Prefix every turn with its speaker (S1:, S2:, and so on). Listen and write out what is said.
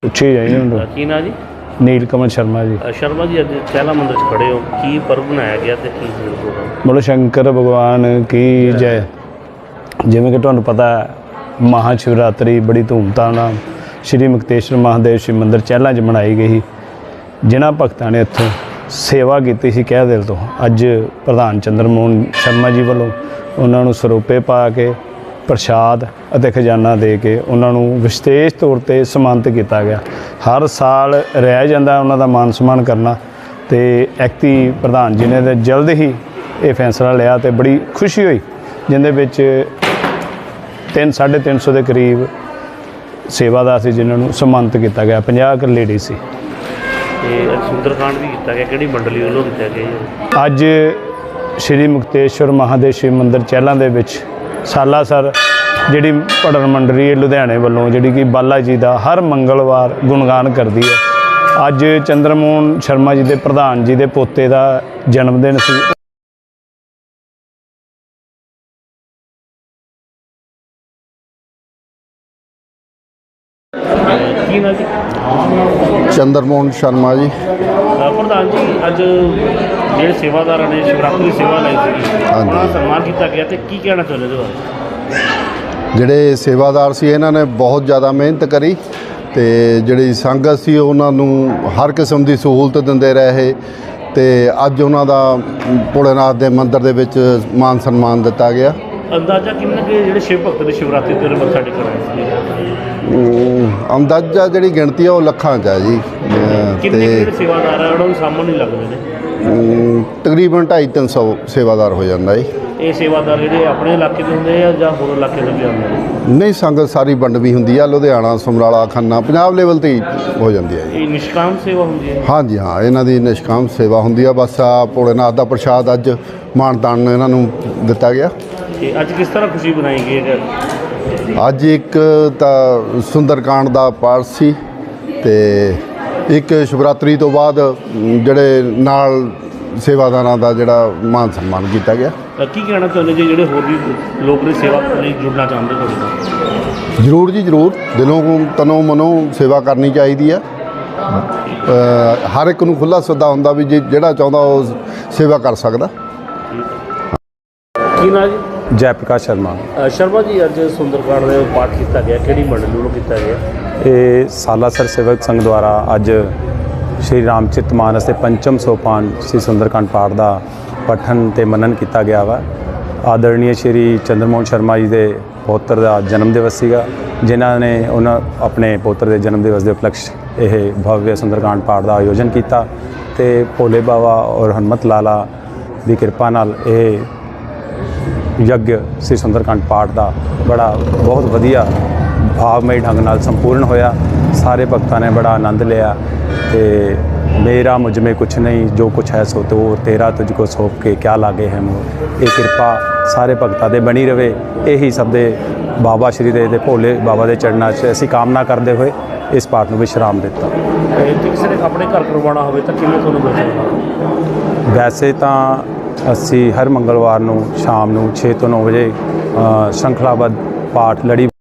S1: ਉੱਚੀ ਜਾਈ ਹੁਣ
S2: ਕੀ ਨਾਂ ਜੀ?
S1: ਨੀਲ ਕਮਲ ਸ਼ਰਮਾ ਜੀ।
S2: ਸ਼ਰਮਾ ਜੀ, ਅੱਜ ਚਹਿਲਾ ਮੰਦਿਰ 'ਚ ਖੜੇ ਹੋ, ਕੀ ਪਰਬ ਮਨਾਇਆ ਗਿਆ ਤੇ ਕੀ ਪ੍ਰੋਗਰਾਮ?
S1: ਬੋਲੋ ਸ਼ੰਕਰ ਭਗਵਾਨ ਕੀ ਜੈ। ਜਿਵੇਂ ਕਿ ਤੁਹਾਨੂੰ ਪਤਾ ਮਹਾ ਸ਼ਿਵਰਾਤਰੀ ਬੜੀ ਧੂਮਧਾਮ ਨਾਲ ਸ਼੍ਰੀ ਮੁਕਤੇਸ਼ਵਰ ਮਹਾਦੇਵ ਸ਼ਿਵ ਮੰਦਿਰ ਚਹਿਲਾਂ 'ਚ ਮਨਾਈ ਗਈ। ਜਿਨ੍ਹਾਂ ਭਗਤਾਂ ਨੇ ਇੱਥੋਂ ਸੇਵਾ ਕੀਤੀ ਸੀ ਕਹਿ ਦਿਲ ਤੋਂ, ਅੱਜ ਪ੍ਰਧਾਨ ਚੰਦਰ ਮੋਹਨ ਸ਼ਰਮਾ ਜੀ ਵੱਲੋਂ ਉਹਨਾਂ ਨੂੰ ਸਰੋਪੇ ਪਾ ਕੇ ਪ੍ਰਸ਼ਾਦ ਅਤੇ ਖਜ਼ਾਨਾ ਦੇ ਕੇ ਉਹਨਾਂ ਨੂੰ ਵਿਸ਼ੇਸ਼ ਤੌਰ 'ਤੇ ਸਨਮਾਨਿਤ ਕੀਤਾ ਗਿਆ। ਹਰ ਸਾਲ ਰਹਿ ਜਾਂਦਾ ਉਹਨਾਂ ਦਾ ਮਾਨ ਸਨਮਾਨ ਕਰਨਾ, ਅਤੇ ਐਕਤੀ ਪ੍ਰਧਾਨ ਜੀ ਨੇ ਤਾਂ ਜਲਦ ਹੀ ਇਹ ਫੈਸਲਾ ਲਿਆ ਅਤੇ ਬੜੀ ਖੁਸ਼ੀ ਹੋਈ, ਜਿਹਦੇ ਵਿੱਚ 350 ਦੇ ਕਰੀਬ ਸੇਵਾਦਾਰ ਸੀ ਜਿਨ੍ਹਾਂ ਨੂੰ ਸਨਮਾਨਿਤ ਕੀਤਾ ਗਿਆ। 50 ਕੁ ਲੇਡੀ ਸੀ।
S2: ਤੇ ਸੁੰਦਰਕਾਂਡ ਵੀ ਕੀਤਾ ਗਿਆ, ਕਿਹੜੀ ਮੰਡਲੀ ਵੱਲੋਂ ਕੀਤਾ ਗਿਆ?
S1: ਅੱਜ ਸ਼੍ਰੀ ਮੁਕਤੇਸ਼ਵਰ ਮਹਾਦੇਵ ਸ਼ਿਵ ਮੰਦਿਰ ਚਹਿਲਾਂ ਦੇ ਵਿੱਚ ਸਾਲਾਸਰ ਜਿਹੜੀ ਭੜਨ ਮੰਡਲੀ ਲੁਧਿਆਣੇ ਵੱਲੋਂ, ਜਿਹੜੀ ਕਿ ਬਾਲਾ ਜੀ ਦਾ ਹਰ ਮੰਗਲਵਾਰ ਗੁਣਗਾਨ ਕਰਦੀ ਹੈ। ਅੱਜ ਚੰਦਰ ਮੋਹਨ ਸ਼ਰਮਾ ਜੀ ਦੇ ਪ੍ਰਧਾਨ ਜੀ ਦੇ ਪੋਤੇ ਦਾ ਜਨਮ ਦਿਨ ਸੀ।
S2: ਕੀ ਨਾਂ ਜੀ?
S3: ਚੰਦਰ ਮੋਹਨ ਸ਼ਰਮਾ ਜੀ।
S2: ਪ੍ਰਧਾਨ ਜੀ, ਅੱਜ ਜਿਹੜੇ ਸੇਵਾਦਾਰਾਂ ਨੇ ਸ਼ਿਵਰਾਤਰੀ ਸੇਵਾ ਲਈ ਸੀ, ਉਹਨਾਂ ਦਾ ਸਨਮਾਨ ਕੀਤਾ ਗਿਆ, ਤੇ ਕੀ ਕਹਿਣਾ ਚਾਹੁੰਦੇ ਇਹਦੇ ਬਾਰੇ?
S3: ਜਿਹੜੇ ਸੇਵਾਦਾਰ ਸੀ ਇਹਨਾਂ ਨੇ ਬਹੁਤ ਜ਼ਿਆਦਾ ਮਿਹਨਤ ਕਰੀ, ਅਤੇ ਜਿਹੜੀ ਸੰਗਤ ਸੀ ਉਹਨਾਂ ਨੂੰ ਹਰ ਕਿਸਮ ਦੀ ਸਹੂਲਤ ਦਿੰਦੇ ਰਹੇ, ਅਤੇ ਅੱਜ ਉਹਨਾਂ ਦਾ ਭੋਲੇਨਾਥ ਦੇ ਮੰਦਿਰ ਦੇ ਵਿੱਚ ਮਾਨ ਸਨਮਾਨ ਦਿੱਤਾ ਗਿਆ।
S2: ਅੰਦਾਜ਼ਾ ਕਿੰਨੇ ਕੁ ਜਿਹੜੇ ਸ਼ਿਵ ਭਗਤ ਨੇ ਸ਼ਿਵਰਾਤਰੀ ਤੇ ਮੱਥਾ ਟੇਕਣ ਆਏ ਸੀ?
S3: ਅੰਦਾਜ਼ਾ ਜਿਹੜੀ ਗਿਣਤੀ ਆ ਉਹ ਲੱਖਾਂ 'ਚ ਹੈ ਜੀ।
S2: ਕਿੰਨੇ ਜਿਹੜੇ ਸੇਵਾਦਾਰ ਆ ਉਹਨਾਂ ਨੂੰ ਸਾਹਮਣੇ ਨਹੀਂ ਲੱਗਦੇ ਨੇ?
S3: ਤਕਰੀਬਨ 250-300 ਸੇਵਾਦਾਰ ਹੋ ਜਾਂਦਾ ਜੀ।
S2: ਇਹ ਸੇਵਾਦਾਰ ਜਿਹੜੇ ਆਪਣੇ ਇਲਾਕੇ ਦੇ ਹੁੰਦੇ ਆ ਜਾਂ ਹੋਰ ਇਲਾਕੇ ਤੋਂ ਵੀ ਆਉਂਦੇ ਨੇ?
S3: ਨਹੀਂ, ਸੰਗਤ ਸਾਰੀ ਵੰਡਵੀਂ ਹੁੰਦੀ ਆ, ਲੁਧਿਆਣਾ, ਸਮਰਾਲਾ, ਖੰਨਾ, ਪੰਜਾਬ ਲੈਵਲ 'ਤੇ ਹੀ ਹੋ ਜਾਂਦੀ ਹੈ ਜੀ।
S2: ਇਹ ਨਿਸ਼ਕਾਮ ਸੇਵਾ ਹੁੰਦੀ ਹੈ?
S3: ਹਾਂਜੀ ਹਾਂ, ਇਹਨਾਂ ਦੀ ਨਿਸ਼ਕਾਮ ਸੇਵਾ ਹੁੰਦੀ ਆ। ਬਸ ਆ ਭੋਲੇਨਾਥ ਦਾ ਪ੍ਰਸ਼ਾਦ ਅੱਜ ਮਾਣ-ਤਾਣ ਇਹਨਾਂ ਨੂੰ ਦਿੱਤਾ ਗਿਆ।
S2: ਤੇ ਅੱਜ ਕਿਸ ਤਰ੍ਹਾਂ ਖੁਸ਼ੀ ਬਣਾਈ ਗਈ ਹੈ?
S3: ਅੱਜ ਇੱਕ ਤਾਂ ਸੁੰਦਰਕਾਂਡ ਦਾ ਪਾਠ ਸੀ, ਅਤੇ ਇੱਕ ਸ਼ਿਵਰਾਤਰੀ ਤੋਂ ਬਾਅਦ ਜਿਹੜੇ ਨਾਲ ਸੇਵਾਦਾਰਾਂ ਦਾ ਜਿਹੜਾ ਮਾਨ ਸਨਮਾਨ ਕੀਤਾ ਗਿਆ।
S2: ਕੀ ਕਹਿਣਾ ਚਾਹੁੰਦੇ ਜੀ ਜਿਹੜੇ ਹੋਰ ਵੀ ਲੋਕ ਨੇ ਸੇਵਾ ਲਈ ਜੁੜਨਾ ਚਾਹੁੰਦੇ ਤੁਹਾਡੇ ਨਾਲ?
S3: ਜ਼ਰੂਰ ਜੀ, ਜ਼ਰੂਰ। ਦਿਲੋਂ ਤਨੋਂ ਮਨੋਂ ਸੇਵਾ ਕਰਨੀ ਚਾਹੀਦੀ ਆ। ਹਰ ਇੱਕ ਨੂੰ ਖੁੱਲ੍ਹਾ ਸੱਦਾ ਹੁੰਦਾ ਵੀ ਜਿਹੜਾ ਚਾਹੁੰਦਾ ਉਹ ਸੇਵਾ ਕਰ ਸਕਦਾ।
S2: ਕੀ ਨਾਂ ਜੀ?
S1: ਜੈ ਪ੍ਰਕਾਸ਼ ਸ਼ਰਮਾ।
S2: ਸ਼ਰਮਾ ਜੀ, ਅੱਜ ਸੁੰਦਰਕਾਂਡ ਦੇ ਪਾਠ ਕੀਤਾ ਗਿਆ, ਕਿਹੜੀ ਮੰਡਲੀ ਵੱਲੋਂ ਕੀਤਾ ਗਿਆ?
S1: ਇਹ ਸਾਲਾਸਰ ਸੇਵਕ ਸੰਘ ਦੁਆਰਾ ਅੱਜ ਸ਼੍ਰੀ ਰਾਮਚਰਿਤ ਮਾਨਸ ਦੇ ਪੰਚਮ ਸੋਪਾਨ ਸ਼੍ਰੀ ਸੁੰਦਰਕਾਂਡ ਪਾਠ ਦਾ ਪਠਨ ਅਤੇ ਮਨਨ ਕੀਤਾ ਗਿਆ ਵਾ। ਆਦਰਣੀय ਸ਼੍ਰੀ ਚੰਦਰ ਮੋਹਨ ਸ਼ਰਮਾ ਜੀ ਦੇ ਪੋਤਰ ਦਾ ਜਨਮ ਦਿਵਸ ਸੀਗਾ, ਜਿਨ੍ਹਾਂ ਨੇ ਉਹਨਾਂ ਆਪਣੇ ਪੋਤਰ ਦੇ ਜਨਮ ਦਿਵਸ ਦੇ ਉਪਲਕਸ਼ ਇਹ ਭਵਯ ਸੁੰਦਰਕਾਂਡ ਪਾਠ ਦਾ ਆਯੋਜਨ ਕੀਤਾ, ਅਤੇ ਭੋਲੇ ਬਾਬਾ ਔਰ ਹਨੂਮਤ ਲਾਲਾ ਦੀ ਕਿਰਪਾ ਨਾਲ ਇਹ ਯੱਗ ਸ੍ਰੀ ਸੁੰਦਰਕਾਂਡ ਪਾਠ ਦਾ ਬਹੁਤ ਵਧੀਆ ਭਾਵਮਈ ਢੰਗ ਨਾਲ ਸੰਪੂਰਨ ਹੋਇਆ। ਸਾਰੇ ਭਗਤਾਂ ਨੇ ਬੜਾ ਆਨੰਦ ਲਿਆ, ਅਤੇ ਮੇਰਾ ਮੁਝ ਮੇਂ ਕੁਛ ਨਹੀਂ, ਜੋ ਕੁਛ ਹੈ ਸੋ ਤੋ, ਤੇਰਾ ਤੁਝ ਕੋ ਸੌਂਪ ਕੇ ਕਿਆ ਲਾਗੇ ਹੈ ਮੋਹ। ਇਹ ਕਿਰਪਾ ਸਾਰੇ ਭਗਤਾਂ ਦੇ ਬਣੀ ਰਵੇ, ਇਹੀ ਸਭ ਦੇ ਬਾਬਾ ਸ਼੍ਰੀ ਦੇ ਭੋਲੇ ਬਾਬਾ ਦੇ ਚਰਨਾਂ 'ਚ ਅਸੀਂ ਕਾਮਨਾ ਕਰਦੇ ਹੋਏ ਇਸ ਪਾਠ ਨੂੰ ਵਿਸ਼ਰਾਮ ਦਿੱਤਾ।
S2: ਜੇ ਕਿਸੇ ਨੇ ਆਪਣੇ ਘਰ ਕਰਵਾਉਣਾ ਹੋਵੇ ਤਾਂ ਕਿਵੇਂ ਤੁਹਾਨੂੰ ਮਿਲ ਸਕਦਾ?
S1: ਵੈਸੇ ਤਾਂ ਅਸੀਂ ਹਰ ਮੰਗਲਵਾਰ ਨੂੰ ਸ਼ਾਮ ਨੂੰ 6 ਤੋਂ 9 ਵਜੇ ਸ਼੍ਰੰਖਲਾਬੱਧ ਪਾਠ ਲੜੀ